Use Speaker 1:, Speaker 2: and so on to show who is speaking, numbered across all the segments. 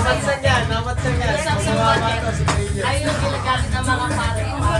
Speaker 1: Namatsan yan.
Speaker 2: Isang sumbat eh. Ayun yung ginagamit ng mga pare.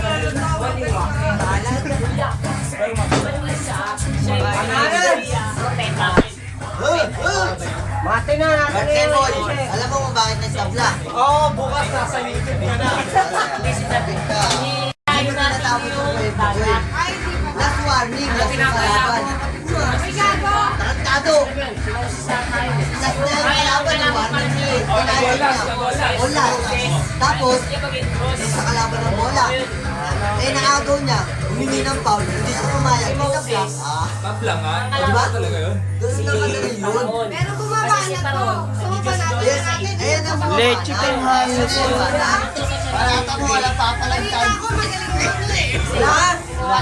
Speaker 1: Mate na natin
Speaker 3: Birthday boy,
Speaker 1: ngayon.
Speaker 3: alam mo kung bakit nagtabla?
Speaker 1: Oo, bukas nasa YouTube ka na.
Speaker 3: Hindi mo tinatapos yung kwento ko eh. Last warning, last kalaban. Tarantado! Last na yung kalaban, ang warning niya eh. Bola. Tapos, sa kalaban ng bola. Eh, naagaw niya, humingi ng foul, hindi siya pumayag. Itabla.
Speaker 4: Tabla nga.
Speaker 3: Diba?
Speaker 4: Talaga yun.
Speaker 3: Doon lang magaling yun.
Speaker 5: Pero bumaba na to. Sumaba natin natin.
Speaker 3: Ayan ang bumaba.
Speaker 1: Leche pa yung hangin.
Speaker 3: Parata mo, wala pa palang
Speaker 5: Balita
Speaker 3: time.
Speaker 5: ko magaling na eh.
Speaker 3: Lahat!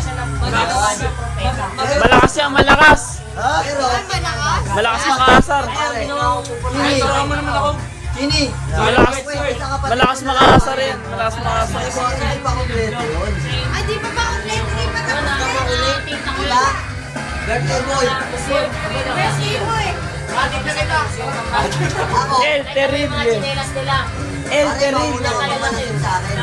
Speaker 1: Malakas yan, malakas.
Speaker 3: Pero,
Speaker 1: Malakas makaasar.
Speaker 3: Kini, Kini,
Speaker 1: Malakas makaasar yan. Malakas makaasar.
Speaker 3: hindi pa kompleto yun.
Speaker 5: Ay, di pa ba ulit? Di pa tapos.
Speaker 3: Diba? Birthday boy.
Speaker 5: Besti mo eh.
Speaker 3: Ako,
Speaker 1: El Terrible. El
Speaker 3: pare,
Speaker 1: Terrible.
Speaker 3: mauna ko naman yun sa akin.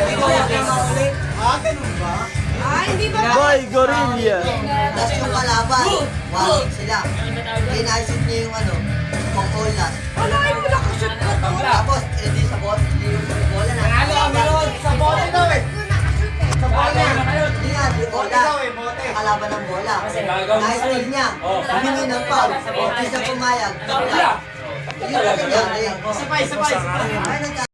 Speaker 5: Ay, hindi pa ba?
Speaker 1: Boy Gorilla.
Speaker 3: Tapos yung kalaban, walking sila. Kinaisip niya yung ano, pang-all last.
Speaker 5: Wala, ay mo nakashoot ko to.
Speaker 3: Tapos, edi sa bot, hindi yung bola na.
Speaker 1: Sa bola daw eh.
Speaker 5: Ko nakashoot eh.
Speaker 3: Hindi nga, di bola. Kalaban ng bola. Nais-steal niya. Humingi ng foul. Hindi siya pumayag. Yun ang nangyari.
Speaker 1: Sabay.
Speaker 3: Ay, nagka-